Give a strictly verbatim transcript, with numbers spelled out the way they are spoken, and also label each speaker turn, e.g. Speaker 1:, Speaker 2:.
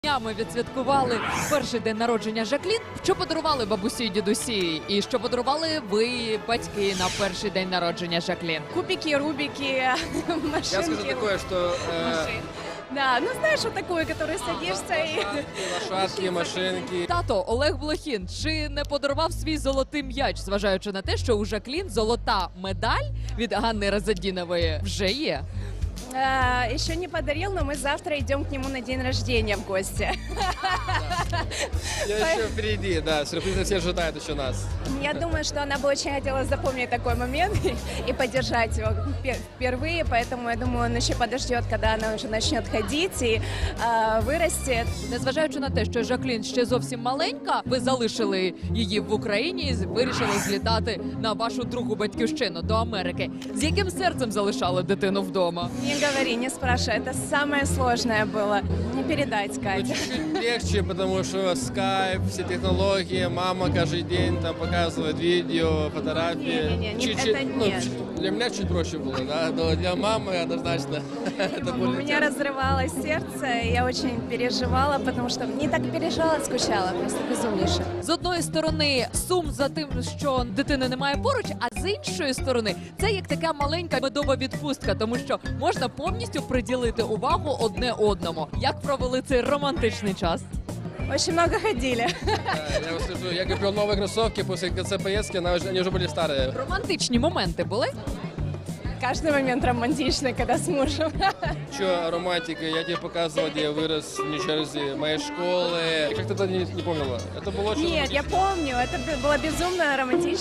Speaker 1: Днями відсвяткували перший день народження Жаклін. Що подарували бабусі і дідусі? І що подарували ви, батьки, на перший день народження Жаклін?
Speaker 2: Кубики, рубики, машинки.
Speaker 3: Я скажу такое, что э,
Speaker 2: машин. Да, ну знаешь, вот такую, которую садишься и...
Speaker 3: лошадки, машинки.
Speaker 1: Тато Олег Блохін чи не подарував свій золотий м'яч, зважаючи на те, що у Жаклін золота медаль від Ганни Разадінової вже є?
Speaker 2: А, еще не подарил, но мы завтра идем к нему на день рождения в гости.
Speaker 3: Я еще впереди, да, сюрпризы все ожидают еще нас.
Speaker 2: Я думаю, что она бы очень хотела запомнить такой момент и поддержать его впервые, поэтому я думаю, он еще подождет, когда она уже начнет ходить и а, вырастет.
Speaker 1: Незважаючи на те, що Жаклін ще зовсім маленька, ви залишили її в Україні і вирішили злітати на вашу другу батьківщину до Америки. З яким серцем залишали дитину вдома?
Speaker 2: Не говори, не спрашивай, это самое сложное было. Не передать,
Speaker 3: Ну,
Speaker 2: Катя.
Speaker 3: чуть-чуть легче, потому что скайп, все технологии, мама каждый день там показывает видео, фотографии.
Speaker 2: Не-не-не, не-
Speaker 3: Чуть-чуть,
Speaker 2: это
Speaker 3: ну,
Speaker 2: нет.
Speaker 3: чуть- для меня чуть проще было, да, но для мамы однозначно это
Speaker 2: У
Speaker 3: более
Speaker 2: меня
Speaker 3: тяжко.
Speaker 2: разрывалось сердце, и я очень переживала, потому что не так переживала, скучала, просто безумнейше.
Speaker 1: З одної сторони сум за тим, що дитини немає поруч, а з іншої сторони це як така маленька медова відпустка, тому що можна повністю приділити увагу одне одному. Як провели цей романтичний час?
Speaker 2: Очень много ходили.
Speaker 3: Да, я вам скажу, я купил новые кроссовки после конца поездки, она уже, они уже были старые.
Speaker 1: Романтичні моменти були?
Speaker 2: Каждый момент романтичный, когда с мужем.
Speaker 3: Че романтика, я тебе показывал, где я вырос в Нью-Джерси, моей школы. Как ты это не, не помнила? Это было очень
Speaker 2: Нет, я
Speaker 3: романтично.
Speaker 2: помню, это было безумно романтично.